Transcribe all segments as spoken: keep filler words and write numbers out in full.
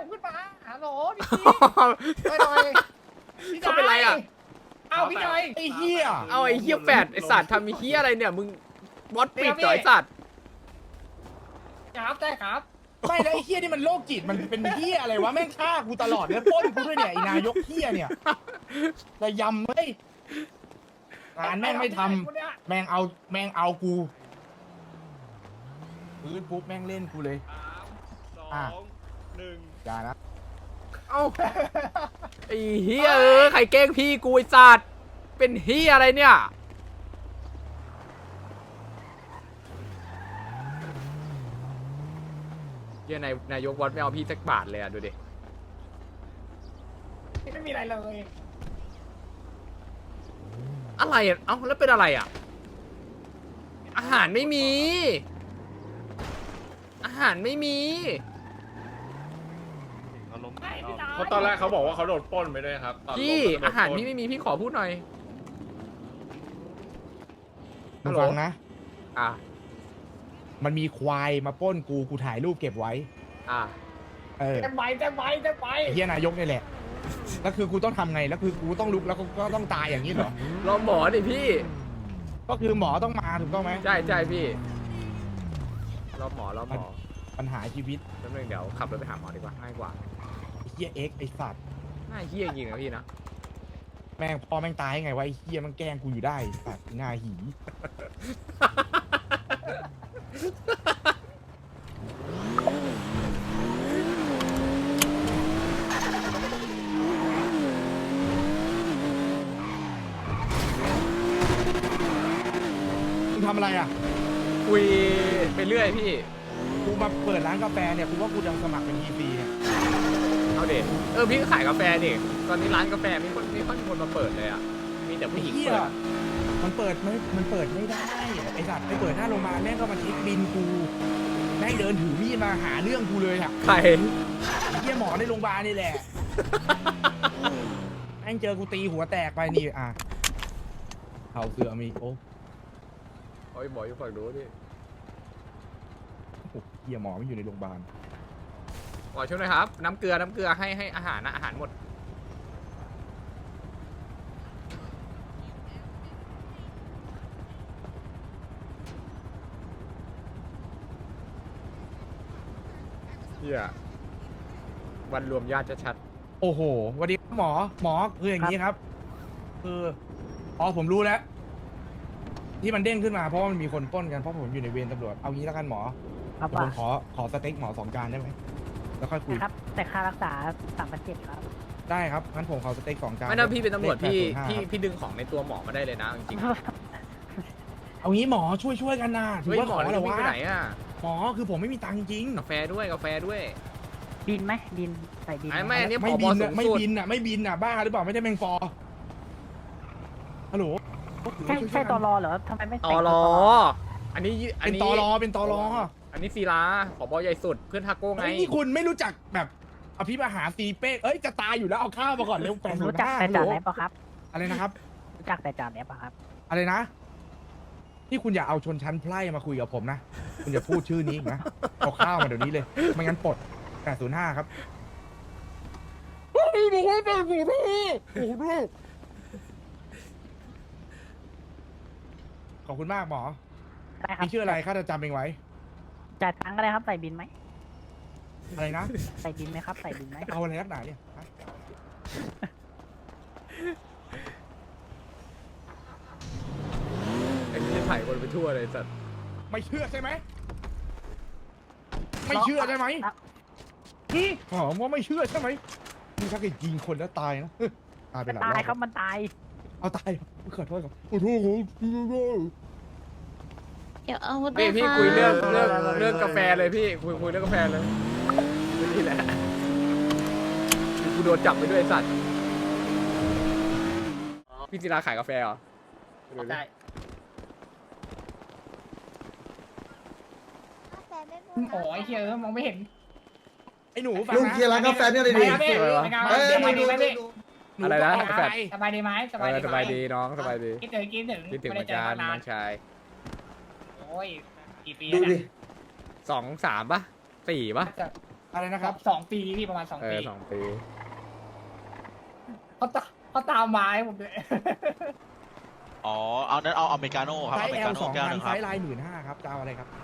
ขึ้นมาฮัลโหลพี่พี่หน่อยพี่เขาเป็นไรอ่ะเอาพี่หน่อยไอ้เหี้ยเอาไอ้เฮียแฝดไอ้สัตว์ทำมีเฮียอะไรเนี่ยมึงบอสปิดจ่อยสัตว์ครับได้ครับไม่แล้วไอ้เหี้ยนี่มันโรคจิตมันเป็นเหี้ยอะไรวะแม่งฆ่ากูตลอดเลยปล้นกูด้วยเนี่ยไอ้นายกเหี้ยเนี่ยระยำเฮ้ยงานแม่งไม่ทำแม่งเอาแม่งเอากูพื้นปุ๊บแม่งเล่นกูเลยสามสองหนึ่งอย่านะเอ้าไอ้เฮียเออใครแกล้งพี่กูไอ้สัตว์เป็นเฮียอะไรเนี่ยเฮียนายนายกวัดไม่เอาพี่สักบาทเลยอ่ะดูดิไม่มีอะไรเลยอะไรอ่ะเอ้าแล้วเป็นอะไรอ่ะอาหารไม่มี อาหารไม่มีเขาล้มไม่พี่น้อยเพราะตอนแรกเขาบอกว่าเขาโดนปล้นไปด้วยครับตอนพี่ลงก็โดนปล้นอาหารพี่ไม่มีพี่ขอพูดหน่อยมึงฟังนะอ่ะมันมีควายมาปล้นกูกูถ่ายรูปเก็บไว้อ่ะเออจะไปจะไปจะไปไอ้เหี้ยนายกนี่แหละแล้วคือกูต้องทำไงแล้วคือกูต้องลุกแล้วก็ก็ต้องตายอย่างนี้เหรอรอหมอดิพี่ก็คือหมอต้องมาถูกต้องไหมใช่ใช่พี่รอหมอรอหมอปัญหาชีวิตแป๊บนึงเดี๋ยวขับรถไปหาหมอดีกว่าง่ายกว่าไอ้เหี้ยเอ็กซ์ไอ้สัตว์น่าเฮี้ยจริงนะพี่นะแม่งพอแม่งตายไงวะไอ้เหี้ยมันแกล้งกูอยู่ได้สัตว์หน้าหีมึงทำอะไรอ่ะคุยไปเรื่อยพี่กูมาเปิดร้านกาแฟเนี่ยกูว่ากูจะสมัครเป็นทีซีเนี่ยเอาเด็เออพี่ก็ขายกาแฟดิตอนนี้ร้านกาแฟไม่ค่อยไม่ค่อยมีคนมาเปิดเลยอ่ะมีแต่ผู้หญิงไอ้เหี้ยเปิดมันเปิดไม่มันเปิดไม่ได้ไอ้สัตว์ไปเปิดหน้าโรงพยาบาลแม่งก็มาเช็คบินกูแม่งเดินถือมีดมาหาเรื่องกูเลยอ่ะใครไอ้เหี้ยหมอในโรงพยาบาลนี่แหละ แม่งเจอกูตีหัวแตกไปนี่อ่ะเข่าเสือมีโอ้โอ้ยหมออยู่ฝั่งนู้นพี่โหเหี้ยหมอไม่อยู่ในโรงพยาบาลหมอช่วยหน่อยครับน้ำเกลือน้ำเกลือให้ให้อาหารนะอาหารหมดเฮียวันรวมญาติชัดโอ้โหสวัสดีครับหมอหมอคืออย่างนี้ครับคืออ๋อผมรู้แล้ว ที่มันเด้งขึ้นมาเพราะว่ามันมีคนปล้นกันเพราะผมอยู่ในเวรตำรวจเอางี้แล้วกันหมอครับเดี๋ยวผมว่าขอขอสเต็กหมอสองจานได้ไหมแล้วค่อยคุยนะครับ แต่ค่ารักษาสามพันเจ็ดครับได้ครับงั้นผมขอสเต็กสองจาๆนไม่ถ้าพี่เป็นตำรวจพี่เลขพี่แปดศูนย์ห้าครับพี่ดึงของในตัวหมอมาได้เลยนะจริงเอางี้หมอช่วยช่วยกันนะๆถืเฮ้อย ว่าหมขออแล้เหรวอพี่วะไปไหนอ่ะหมอคือผมไม่มีตังค์จริงกาแฟด้วยกาแฟด้วยบินไหมบินใส่บินไอ้หแม่นี่ไม่ผบิบนสูอ่ะงไม่สุดบินอ่ะไม่บินอ่ะบ้าหรือเปล่าไม่ได้แมงฟอฮัลโหลใช่ใช่ตอรอเหรอทำไมไม่ตแต่อง รอตัวอันนี้อัเป็น นนี้ตอรอเป็นตอรออันนี้ศิลาผบใหญ่สุดเพื่อนทาโก้ไงไอ้นี่คุณไม่รู้จักแบบอภิมหาตีเป้เอ้ยจะตายอยู่แล้วเอาข้าวมาก่อนเร็วแปดผมศูนรู้ย์จักห้าแต่ฮัลโหลจ่าแอปปะครับอะไรนะครับรู้จักแต่จ่าแอปปะครับอะไรนะที่คุณอย่าเอาชนชั้นไพร่มาคุยกับผมนะคุณอย่าพูดชื่อนี้อีกนะเอาข้าวมาเดี๋ยวนี้เลยไม่งั้นปลดแปดศูนย์ห้าครับเฮ้ยบอกว่าแปดศูนย์ห้าโอ้โหขอบคุณมากหมอได้ครับมีชื่ออะไรข้าจะจำเองไว้จ่ายตังค์ก็ได้ครับใส่บินไหมอะไรนะใส่บินไหมครับใส่บินไหมเอาอะไรนักหนาเนี่ยฮะไอ้นี่ถ่ายคนไปทั่วเลยสัตว์ไม่เชื่อใช่ไหมไม่เชื่อใช่ไหมอ่ะหอมว่าไม่เชื่อใช่ไหมนี่ถ้าเกิดยิงคนแล้วตายนะตายไปหลายรตายอบครับมันตายเอาตายขอโทษครับขอโทษครับเดี๋ยวอาวุธพี่ด้วยพี่ค่ะคุยเรื่องเรื่องเรื่องกาแฟเลยพี่คุยคุยเรื่องกาแฟเลยนี่แหละกูโดนจับไปด้วยไอ้สัตว์พี่ศิลาขายกาแฟเหรอได้ โอ้ยเฮียเออมองไม่เห็นไอ้หนูฟังลุงนะเคลียร์ร้านกาแฟเนี่ยเลยไปดิครับพี่อะไรวะไปครับเอ้ยสบายดีไหมพี่หนูอะไรนะก็กาแฟตายสบายดีไหมสเอบายอดีสบายดีน้องสบายดีคิดถึงคิดถึงคิดถึงเหไม่มืได้อนเจอกันกันนาน้อน งชายโอ้ยกี่ปีดูแล้วดิเนี่ยสองสามปะสี่ปะจะอะไรนะครับสองปีพี่ประมาณสองเอปีอสองปีเขาตาเขาตามมาให้ผมด้วยอ๋อ เอานั้นเอาอเมริกาโน่ครับไซอส์เมริแอกาลโน่สองแก้วหพันนึงไซครับส์ลายหมื่นห้าครับจะเอาอะไรครับ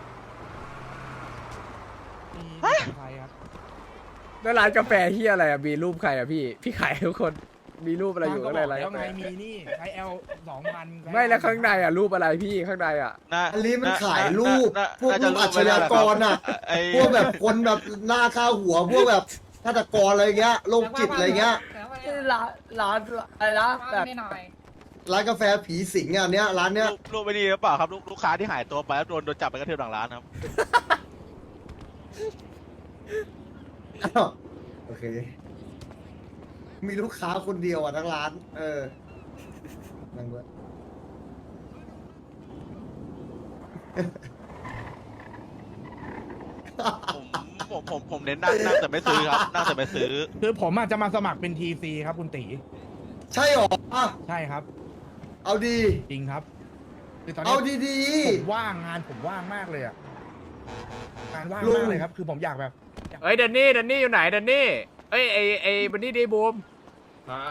มีไซส์ครับแล้วร้านกาแฟเฮียอะไรอ่ะมีรูปใครอ่ะพี่พี่ขายให้ทุกคนมีรูปอะไรอยู่ก็ข้างบในอกร้านแล้วกาแฟไงมีนี่ไซส์ L สองพันไม่แล้วข้างในอ่ะรูปอะไรพี่ข้างในอ่ะน่าอันนี้มันน่ขายรูปน่าพวกน่ารูจะปอาชญากรอ่ะไอ้พวกแบบคนแบบหน้าค่าหัว พวกแบบฆาตกรอะไรเงี้ยโรคจิตอะไรเงี้ยร้านร้านอะไรนะแบบหน่อยร้านกาแฟผีสิงอ่ะเนี้ยร้านเนี้ยรูปรูปไม่ดีหรือเปล่าครับลูกลูกค้าที่หายตัวไปแล้วโดนโดนจับไปกระเทือบหลังร้านครับอ้าวโอเค มีลูกค้าคนเดียวอ่ะทั้งร้าน เออนั่งด้วยผมผมผมผมเน้นนั่งนั่งแต่ไม่ซื้อครับนั่งแต่ไม่ซื้อคือผมอาจจะมาสมัครเป็น ที ซี ครับคุณตีใช่หรออ่ะใช่ครับเอาดีจริงครับคือตอนเอานี้ดีผมว่างงานผมว่างมากเลยอ่ะงานว่างลุงมากเลยครับ คือผมอยากแบบเอ้ยเดนนี่เดนนี่อยู่ไหนเดนนี่เอ้ยไอไอบันนี่ดีบูมฮะ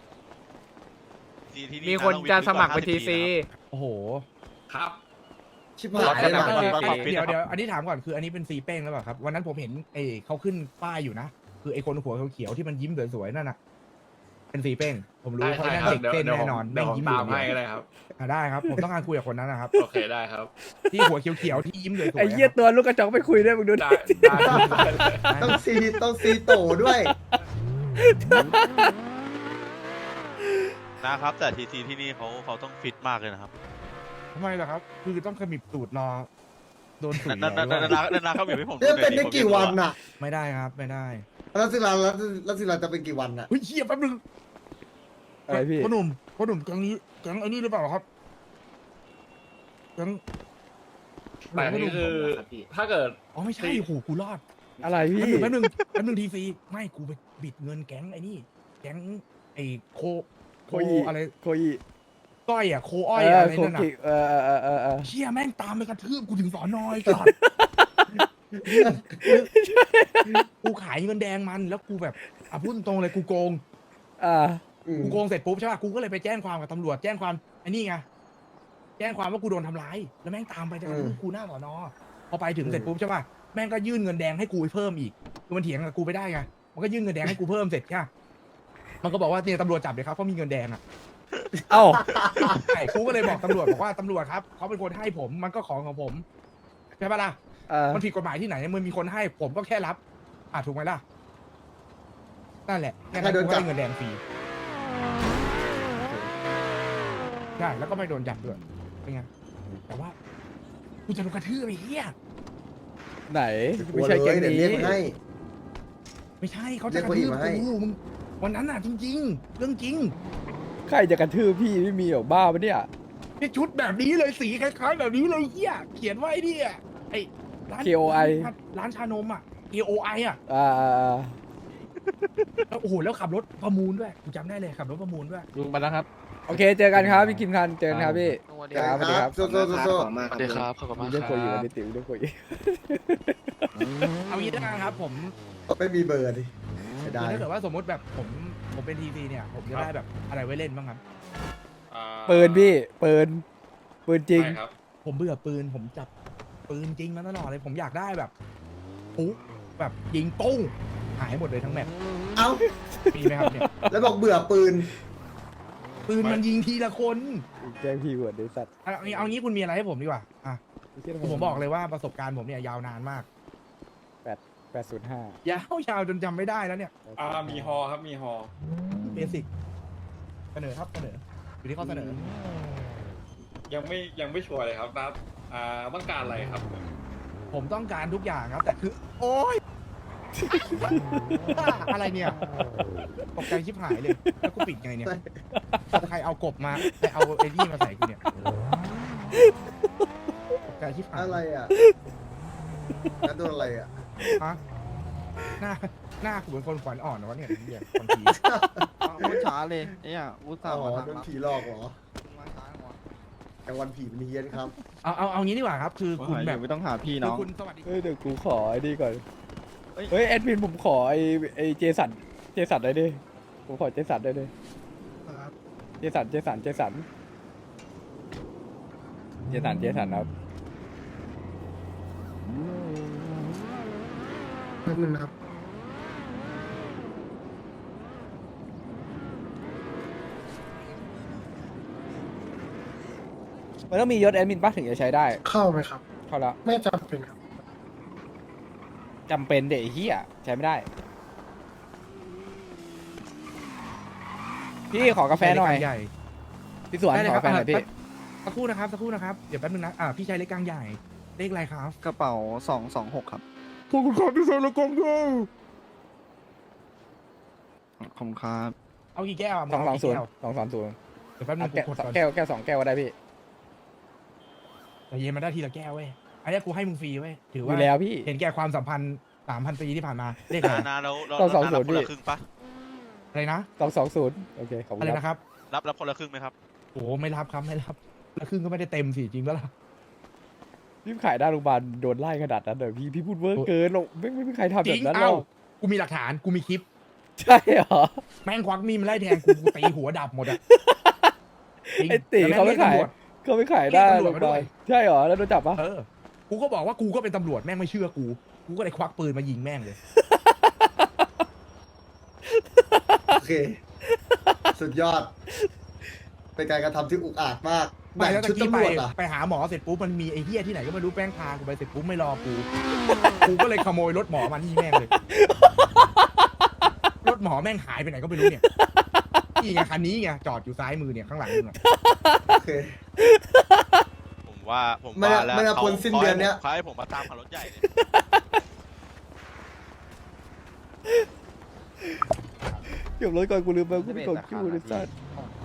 ที่ที่มีคนจะสมัครเป็นวิทีกก่อซีห้าสิบโอ้โหครับๆ ชิบหายเลยรถนะขนาดนั้นเดี๋ยวเดี๋ยวอันนี้ถามก่อนคืออันนี้เป็นซีเป้งหรือเปล่าครับวันนั้นผมเห็นไอ้เขาขึ้นป้ายอยู่นะคือไอ้คนหัวเขียวๆที่มันยิ้มสวยๆนั่นน่ะเป็นซีเป้งผมรู้ได้เขาได้นั่นครับเด็กเดี๋ยวเต้นเดี๋ยวแน่นอนเดี๋ยวแม่งผมยิ้มตามอยู่ให้เดียวก็ได้ครับอ่ะได้ครับผมต้องการคุยกับคนนั้นนะครับโอเคได้ครับที่หัวเขียวๆที่ยิ้มสวยๆไอเหี้ยตัวลูกกระจอกไปคุยด้วยมึงดูได้ดิได้ได้เลยต้องซีต้องซีโตด้วยนะครับ แต่ทีซีที่นี่เขาเขาต้องฟิตมากเลยนะครับทำไมล่ะครับ คือต้องขมิบตูดรอโดนสุยนั่นนั่นเหรอนั่นนั่นนั่นเขาอยู่ให้ผมเนี่ยเป็นได้ผมกี่วันน่ะไม่ได้ครับไม่ได้แล้วสิลาแล้วสิลาจะเป็นกี่วันน่ะเฮ้ยเฮียแป๊บนึงอะไรพี่พ่อหนุ่มพ่อหนุ่มแก๊งนี้แก๊งไอ้นี่หรือเปล่าครับแก๊งแต่อันนี่คือถ้าเกิดอ๋อไม่ใช่โอ้โหกูรอดอะไรแป๊พี่บนึงแป๊บนึงแป๊บนึงทีซีไม่กูไปบิดเงินแก๊งไอ้นี่แก๊งไอ้โคโคยิอะไรโคยิก้อยอ่ะโคอ้อยเอออะไรโคนั่นน่ะกิเออเออเออเออเออเชี่ยแม่งตามไปกระทืบกูถึงสอนอยก่อนกูขายเงินแดงมันแล้วกูแบบอ่ะพูดตรงๆเลยกูโกงอ่าอืมกูโกงเสร็จปุ๊บใช่ป่ะกูก็เลยไปแจ้งความกับตำรวจแจ้งความไอ้นี่ไงแจ้งความว่ากูโดนทำร้ายแล้วแม่งตามไปจะกระทืบกูหน้าสอนอพอไปถึงเสร็จปุ๊บใช่ป่ะแม่งก็ยื่นเงินแดงให้กูเพิ่มอีกคือมันเถียงกับกูไปได้ไงมันก็ยื่นเงินแดงให้กูเพิ่มเสร็จใช่ปะมันก็บอกว่าเนี่ยตำรวจจับเลยครับเพราะมีเงินแดงอ่ะเอ้าใช่กูก็เลยบอกตำรวจบอกว่าตำรวจครับเขาเป็นคนให้ผมมันก็ของของผมใช่ปะล่ะเออมันผิดกฎหมายที่ไหนมันมีคนให้ผมก็แค่รับอ่ะถูกไหมล่ะนั่นแหละแค่นั้นกูก็ได้เงินแดงฟรีใช่แล้วก็ไม่โดนจับด้วยเป็นไงแต่ว่ากูจะโดนกระทืบไอ้เหี้ยไหนกลัไม่วใช่เลแก๊ยงเดี๋ยวนี้เรียกมาให้ไม่ใช่เขาเรีจะยกกคระนอื่ทืนบมาให้กูมึงวันนั้นน่ะจริง ๆ เรื่องจริงใครจะกระทืบพี่ไม่มีหรอกบ้าปะเนี่ยนี่ชุดแบบนี้เลยสีคล้ายๆแบบนี้เลยเหี้ยเขียนไว้ดิอ่ะไอ้ร้านเค โอ ไอร้านชานมอ่ะ เค โอ ไอ อ่ะอ่าอ่าอ่าแล้วโอ้โหแล้วขับรถประมูลด้วยกูจำได้เลยขับรถประมูลด้วยลุงไปแล้วครับโอเคเจอกันครับพี่กิมคันเจอกันครับพี่สวัสดีครับโซโซโซโซสวัสดีครับ ขอบคุณมีมากเรื่องคโคยิรัวันบนี้ติ๋วเรื่องโคยิเอางี้แล้วกันครับผมไม่มีเบอร์ดิไม่ได้คือถ้าเกิดว่าสมมติแบบผมผมเป็นทีซีเนี่ยผมจะได้แบบอะไรไว้เล่นบ้างครับอ่าปืนพี่ปืนปืนจริงใช่ครับผมเบื่อปืนผมจับปืนจริงมาตลอดเลย ผมอยากได้แบบปุ๊บแบบยิงตุ้งหายหมดเลยทั้งแมปเอ้ามีไหมครับเนี่ยแล้วบอกเบื่อปืนปืนมันยิงทีละคนแจ้งพี่เวิร์ดไอ้สัตว์เอาเอาเอางี้คุณมีอะไรให้ผมดีกว่าอ่ะไเหี้ยผมบอกเลยว่าประสบการณ์ผมเนี่ยยาวนานมากแปดศูนย์ห้ายาวยาวจนจำไม่ได้แล้วเนี่ยอ่ามีฮอครับมีฮอเบสิกเสนอครับเสนออยู่ที่ข้อเสนอยังไม่ยังไม่ชัวร์เลยครับนัดอ่าต้องการอะไรครับผมต้องการทุกอย่างครับ แต่คือ โอ๊ย อะไรเนี่ยตกใจชิบหายเลย แล้วกูปิดไงเนี่ยใครเอากบมาใครเอาไอ้นี่มาใส่กูเนี่ยตกใจชิบหายอะไรอ่ะนั่นโดนอะไรอ่ะฮะหน้าหน้ากูเป็นคนขวัญอ่อนนะวะเนี่ยเนี่ยบางทีพูดช้าเลยเนี่ยอุตส่าอ๋ห์อมาทางโดนรับผีหลอกเหรอมาช้าหัวกลางวันผีมันเฮี้ยนครับเอาเอาเอางี้ดีกว่าครับ คือว่าคุณหายอแบยู่บไม่ต้องหาพี่คืน้อองคุณสวัสดีเฮ้ยเดี๋ยวกูขอไอ้นี่ก่อนเฮ้ยแอดมินผมขอไอไอเจสันเจสันได้ดิผมขอเจสันได้ดิเจสันเจสันเจสันเจสันเจสันครับแป๊บนึงนะครับมันต้องมียศแอดมินป่ะถึงจะใช้ได้เข้าไหมครับเข้าแล้วไม่จำเป็นครับจำเป็นเด็กเฮียใช้ไม่ได้ พี่ขอกาแฟหน่อยใหญ่พี่สวนได้เลยขอครักาแฟหน่อยพี่สักครู่นะครับสักครู่นะครับเดี๋ยวแป๊บนึงนะอ่าพี่ชายเล็กกลางใหญ่เลขอะไรครับกระเป๋าสองสองหกครับขอบคุณครับพี่ชายเล็กกลางใหญ่ขอบคุณครับเอากี่แก้วะสองสองศูนย์เาสองสองศูนย์กี่แก้วเดี๋ยวแป๊บนึงแก้วกูกดก่อนแก้วแก้วสองแก้วก็ได้พี่แต่เย็นมาได้ทีละแก้วเว้ยอันนี้กูให้มึงฟรีเว้ยถืออว่ายู่แล้วพี่เห็นแก่ความสัมพันธ์สามพันปีที่ผ่านมาเลขอะไรนานาแล้วแล้วต้องสองนาศูรันย์คนละดิครึ่งปะอะไรนะสองสองศูนย์โอเคขอบคุอะไรณครับนะครับรับรับคนละครึ่งไหมครับโอ้โหไม่รับครับไม่รับแล้วครึ่งก็ไม่ได้เต็มสิจริงแล้วล่ะพี่ขายหน้าโรงพยาบาลโดนไล่ขนาดนั้นเดี๋ยวพี่พี่พูดเวอร์เกินหรอกไม่ไม่มีใครทำจแบริงบนั้นหรเอ้าอกกูมีหลักฐานกูมีคลิปใช่เหรอแม่งควักมีดมาไล่แทงกูกูตีหัวดับหมดอะจริงไอ้ตีแล้วเขาไม่แม่งขายรีกตำรวจเขาไม่ขายหน้าเรียกตำรโรวจงพมายาด้บาวยลใช่เหรอแล้วโดนจับปะเออ กูก็บอกว่ากูก็เป็นตำรวจแม่งไม่เชื่อกู กูก็เลยควักปืนมายิงแม่งเลยโอเค สุดยอด เป็นการกระทำที่อุกอาจมากไปแล้วชุตะดกี้ตำไปรวจอ่ะไปหาหมอเสร็จปุ๊บมันมีไอ้เหี้ยที่ไหนก็ไม่รู้แป้งพากูไปเสร็จปุ๊บไม่รอกู กูก็เลยขโมยรถหมอมาที่แม่งเลย รถหมอแม่งหายไปไหนก็ไม่รู้เนี่ย นี่ไงคันนี้ไงจอดอยู่ซ้ายมือเนี่ยข้างหลังมึงอะโอเคผมว่าผมไม่ว่าน่าแล้วไม่น่าเขาพ้นสิ้นเดือนเนี้ยเขาให้ผมมาตามขับรถใหญ่เลยเก็บรถก่อนกูลืมไปกูไม่กดคิวเลยสัตว์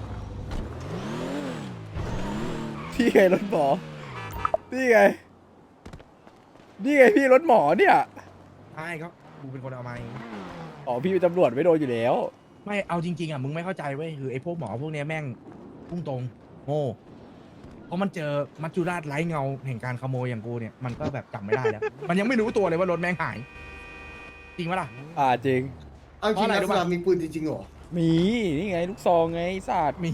พี่ไงรถหมอนี่ไงนี่ไงพี่รถหมอเนี่ยใช่ครับกูเป็นคนเอามาเองอ๋อพี่เป็นตำรวจไม่โดนอยู่แล้วไม่เอาจริงๆอ่ะมึงไม่เข้าใจเว้ยคือไอ้พวกหมอพวกเนี้ยแม่งพุ่งตรงโง่เพราะมันเจอมัจจุราชไร้เงาแห่งการขโมยอย่างกูเนี่ยมันก็แบบจับไม่ได้แล้ว มันยังไม่รู้ตัวเลยว่ารถแม่งหาย จริงปะล่ะอ่าจริงเอาจริงเพราะอะไรนะรู้สปะนามมีปืนจริงๆเหรอมีนี่ไงลูกซองไงศาสตร์มี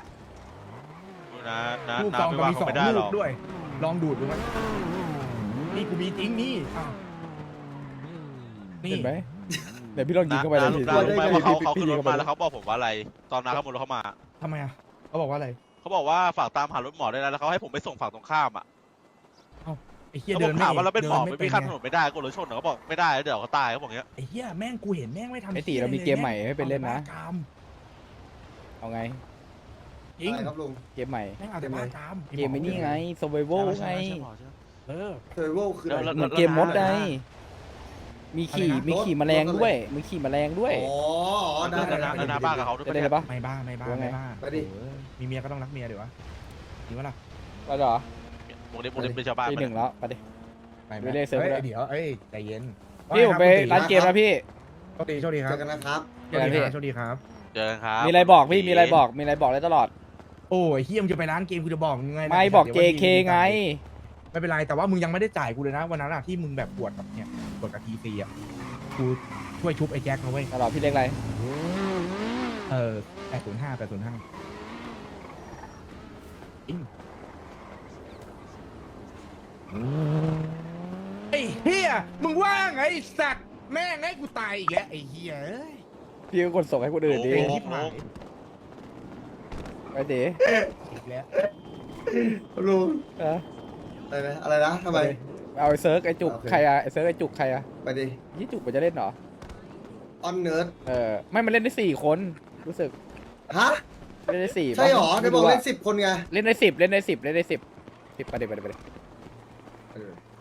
นะนะลูกนะซองไม่ก็ว่ามีเขาสองไม่ได้หรลูอกกด้วย ลองดูดดูไหมนี่กูมีจริงนี่อ้าวนี่เห็นไหมเดี๋ยวพี่ลองยิงเข้าไปเลยนะทีนะรู้ไหมว่าเขาเขาพี่ขึ้นยิรง ถเข้าไปมาแล้วเขาบอกผมว่าอะไร ตอนนั้นเขาหมดรถเข้ามาทำไมอ่ะเขาบอกว่าอะไรเขาบอกว่าฝากตามหารถหมอได้แล้วแล้วเขาให้ผมไปส่งฝั่งตรงข้ามอ่ะไอ้เหี้ยเขาบเดิอกนไม่ถามว่าเราเป็นหมอดิไม่มีข้ามถไงนนไม่ได้กูเลยชนเหรอเขาบอกไม่ได้เดี๋ยวเขาตายเขาบอกอย่างเงี้ยไอ้เหี้ยแม่งกูเห็นแม่งไม่ทำไอ้ตีหี้ยเรามีลยเกมใหม่ให้ไปเล่นนะอาแต่บ้ากามเอาไงจริงอะไรครับลุงเกมใหม่แม่งเอาแต่บ้ากามเกมไอ้นี่ไง survival ไงเออเซอร์โวคืออะไรแล้วเหมือนเกมมดไงมีขี่อะไรนะมีขี่แมลงด้วยมีขี่แมลงด้วยอ๋ออ๋อได้แล้วได้นะได้แล้วนะบ้ากับเขาด้วยจะปะได้เนี่ยเลยปะไม่บ้าไม่บ้าว่าไงไม่บ้าไปดิเออมีเมียก็ต้องรักเมียเดี๋ยววะจริงปะล่ะก็เหรอวงเล็บวงเล็บเป็นชาวบ้านปีปะหเนี่นึ่ยงแล้วไปดิไปไหมไปเล่นเซิร์ฟอ้ยด้วยเดี๋ยวเอ้ยใจเย็นพี่ผมไปร้านเกมนะพี่โชคดีโชคดีคเจรับอกันนะครับโชคดีครับโชคดีครับเจอกันครับมีอะไรบอกพี่มีอะไรบอกมีอะไรบอกได้ตลอดโอ้ยเฮียมึงจะไปร้านเกมกูจะบอกมึงไงนะไม่บอกดี๋ยววันเจที่เคมึไงไม่เป็นไรแต่ว่ามึงยังไม่ได้จ่ายกูเลยนะวันนั้นอะที่มึงแบบปวดกับเนี่ยปวดกับทีซีอะกูช่วยชุบไอ้แจ็คนะเว้ยตลอดพี่เล็กอะไรเออแปดศูนย์ห้าแปดศูนย์ห้าไอ้เฮียมึงว่าไงไอ้สัตว์แม่งให้กูตายอีกแล้วไอ้เฮียเอ้ยพี่ก็กดส่งให้คนอื่นดิเป็นที่หายไปดิอีกแล้วลุงเอออะไรนะอะไรนะทำไมเอาไอ้เซิร์กไอ้จุกโอเคใครอะไอ้เซิร์กไอ้จุกใครอะไปดิยี่จุกมันจะเล่นเหรอออนเนิร์ดเออไม่มันเล่นได้สี่คนรู้สึกฮะเล่นได้สี่ใช่หรอปะได้บอกม่เล่รู้นสิบคนไงอะเล่นได้สิบเล่นได้สิบเล่นได้สิบสิบไปเดี๋ยวไปเดี๋ยวไปเดี๋ยวเออ